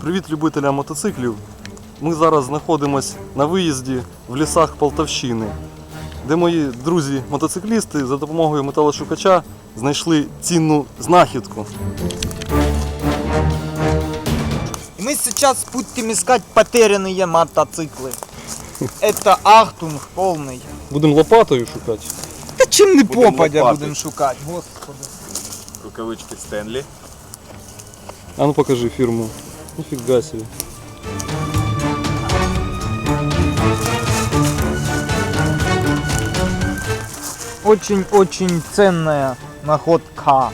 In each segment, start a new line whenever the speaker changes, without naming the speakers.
Привіт любителям мотоциклів. Ми зараз знаходимося на виїзді в лісах Полтавщини, де мої друзі-мотоциклісти за допомогою металошукача знайшли цінну знахідку.
Мы сейчас будем искать потерянные мотоциклы. Это ахтунг полный.
Будемо лопатою шукати.
Да чем не
Будем
попадя
лопаты.
будем шукать, господи.
Рукавички Стенлі.
А ну покажи фірму. Ніфіга собі.
Очень-очень ценная находка.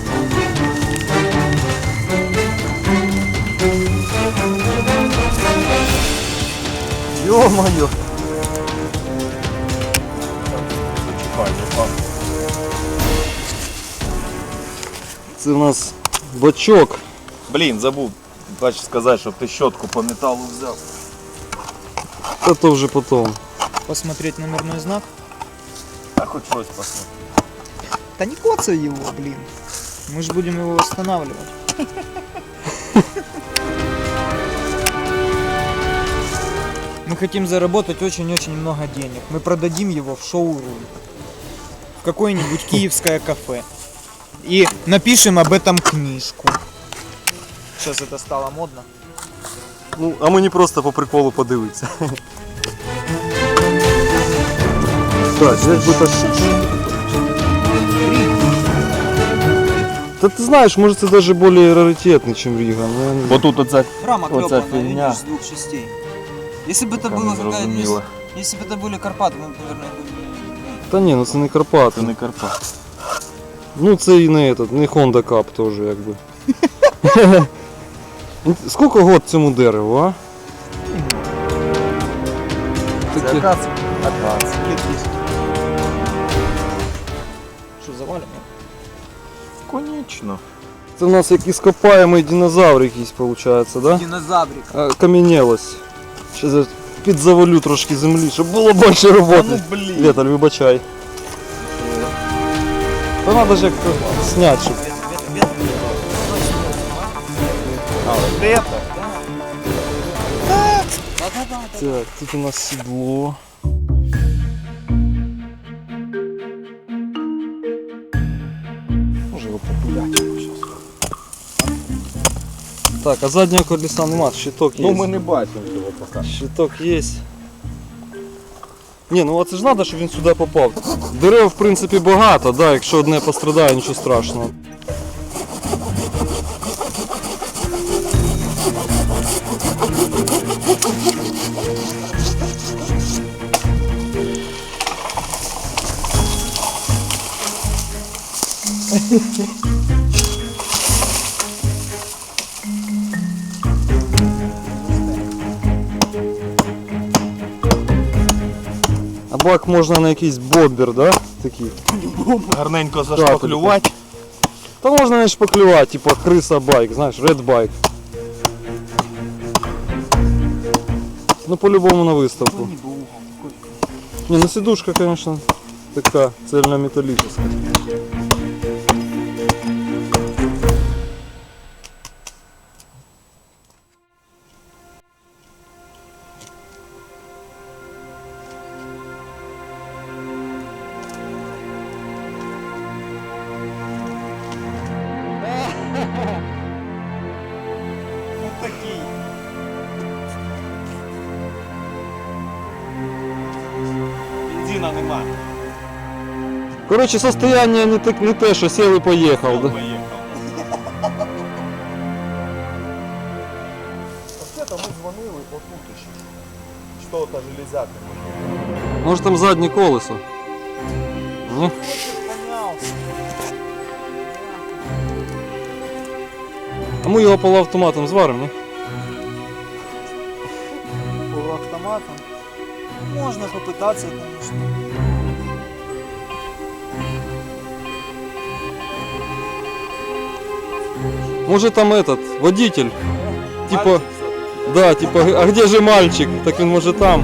Ё-моё!
Це у нас бачок.
Блін, забув сказати, щоб ти щотку по металу взяв.
Та то вже потім.
Посмотреть номерной знак.
А хоч щось посмотри.
Да не коцай его, блин. Мы же будем его восстанавливать. Мы хотим заработать очень-очень много денег. Мы продадим его в шоурум. В какое-нибудь киевское кафе. И напишем об этом книжку. Сейчас это стало модно.
Ну, а мені просто по приколу подивитися. Так, як би так. Та ти знаєш, може це навіть більш раритетний, ніж Ріга.
Бо тут оце
Рама
Вот
клепанная,
эта фигня.
видишь, с двух частей. Если бы это
Пока
было
не зрозуміло.
если бы это были Карпаты, мы бы, наверное, были.
Та ні, ну це не Карпати.
Це не Карпат.
Ну це і не этот, не Honda Cup теж якби. Скільки год цьому дереву, а? Таке.
Акація.
Лет 10. Что, завалим?
Конечно.
Це в нас як іскопаємий динозавр якийсь виходить, да?
Динозаврик.
Кам'янілось. Ще підзавалю трошки землі, щоб було більше роботи.
блін.
Віталь, вибачай. Та треба ж як-то зняти, щоб...
А, от це?
Так, тут у нас сідло. Може його популяти зараз. Так, а заднього колеса нема, щиток є.
Ну ми не бачимо цього поки.
Щиток є. Ні, ну а це ж треба, щоб він сюди попав. Дерев, в принципі, багато, да, якщо одне пострадає, нічого страшного. А бак можна на якийсь бомбер, да? Такий.
Гарненько зашпаклювати.
Та можна не шпаклювати, типа криса байк, знаєш, red bike. Ну по-любому на виставку. Не, ну сидушка, конечно, така цельнометаллическая.
Такий.
Бензина нема.
Короче, состояние не те, що сел і поїхав. Да?
Вообще-то ми дзвонили отут ще. Що-то железяка.
Може там заднє колесо? Ні? А ми його полуавтоматом зваримо, ні?
Полуавтоматом. Можно попытаться, конечно.
Може там этот, водитель, типа, да, типа, а где же мальчик? Так він може там.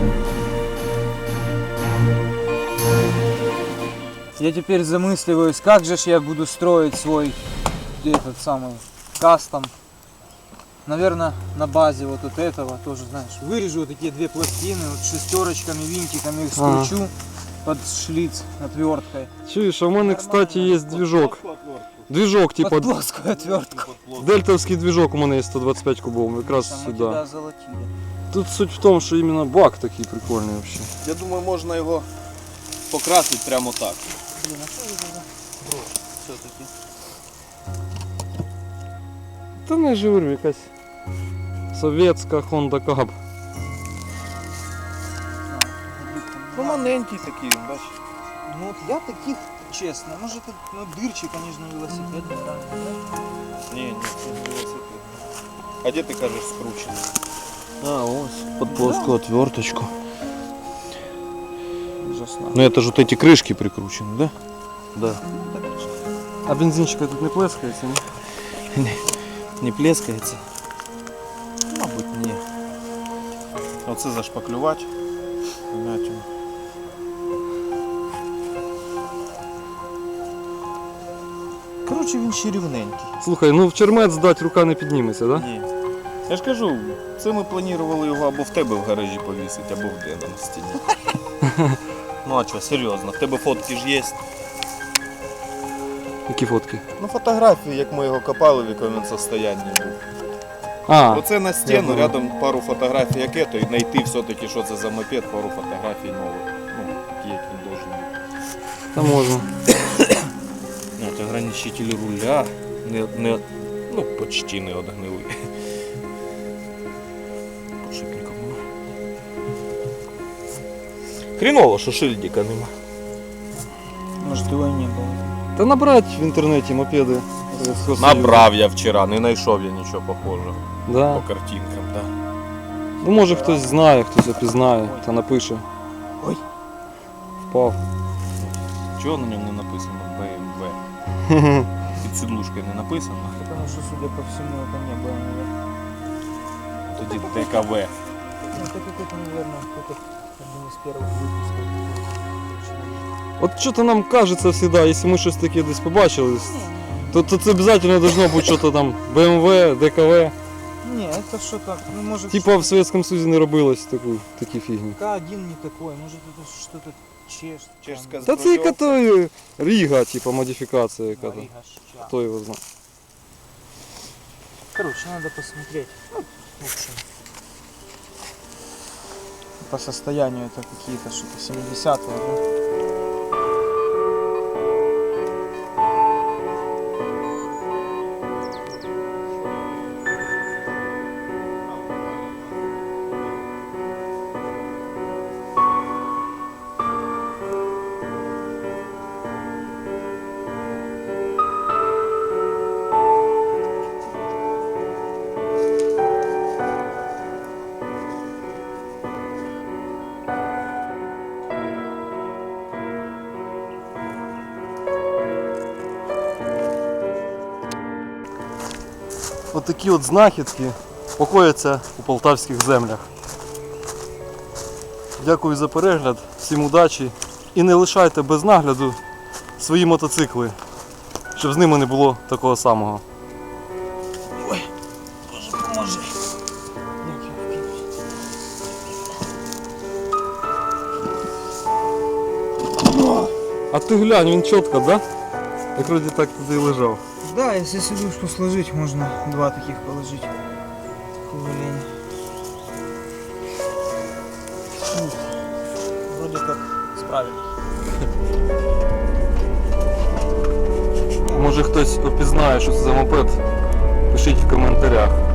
Я теперь замысливаюсь, как же ж я буду строить свой этот самый кастом Наверное, на базе вот этого тоже, знаешь, вырежу вот такие две пластины, вот шестерочками, винтиками их скручу под шлиц отверткой.
Чуєш, а в мене, кстати, є движок. Движок, типа,
Под плоскую отвертку.
дельтовський движок у мене є 125 кубов, якраз
Там мы
сюди.
тебя золотили.
Тут суть в тому, що іменно бак такий прикольний вообще.
Я думаю, можна його покрасити прямо так.
Блин, а что это за брошь все-таки?
Та не ж говорю, якась совєтська Honda Cab.
Ну маленький такий, бачиш.
Ну вот я таких, честно, может это, ну дырчик, конечно, велосипедный, да.
Ні, ні, це не велосипед. А де ти кажеш скручений?
А, ось.
Под плоскую отверточку.
Ужасно.
Ну это же вот эти крышки прикручены, да?
Да. А бензинчика тут не плескається, ні?
Не плескається? Мабуть, ні. Оце зашпаклювати. Вмятину. Коротше, він ще рівненький.
Слухай, ну в чермет здать рука не підніметься, да?
Ні. Я ж кажу, це ми планували його або в тебе в гаражі повісити, або в Дена на стіні. Ну а що, серйозно, в тебе фотки ж є?
Які фотки?
Ну фотографії, як ми його копали, в якому він состоянні був.
А,
Оце на стіну,
знаю.
рядом пару фотографій, як ето, і знайти все-таки, що це за мопед, пару фотографій нових. Ну, такі, як він должен бути.
та можна.
От ограничитель руля, ну, почти не одгнили. Подшипників нема. Хріново, що шильдика нема.
Может его и не было.
Та набрать в інтернеті мопеди. Совєтського Союзу.
Набрав я вчора, не знайшов я нічого похожого
Да.
по картинкам, так.
Ну може хтось знає, хтось опізнає, та напише.
Ой.
Впав.
Чого на ньому не написано BMW? Під сідлушкою не написано.
Потому что, судя по всему, это не было, наверное.
Тоді ДКВ.
Ну, это какой-то, наверное, какой-то один из первых выпусков.
От що-то нам кажеться завжди, якщо ми щось таке десь побачили, то це обов'язково должно бути щось там BMW, ДКВ.
Не, это что-то, ну может
Типа в Совєтському Союзі не робилось такі фігні.
К1 не такой, может это что-то чешское.
Чешская
Та це яка то Ріга, типа модифікація яка-то.
Рига.
Хто його знає.
Короче, надо посмотреть. Ну, в общем. По состоянию это какие-то что-то 70-е, да?
Отакі от знахідки покояться у полтавських землях. Дякую за перегляд, всім удачі і не лишайте без нагляду свої мотоцикли, щоб з ними не було такого самого.
Ой, Боже, поможи.
А ти глянь, він чітко, да? Як вроді так туди і лежав.
Да, если сидушку сложить, можно два таких положить. Кувалень. Вроде как справились.
Може хтось опізнає, що це за мопед, пишіть в коментарях.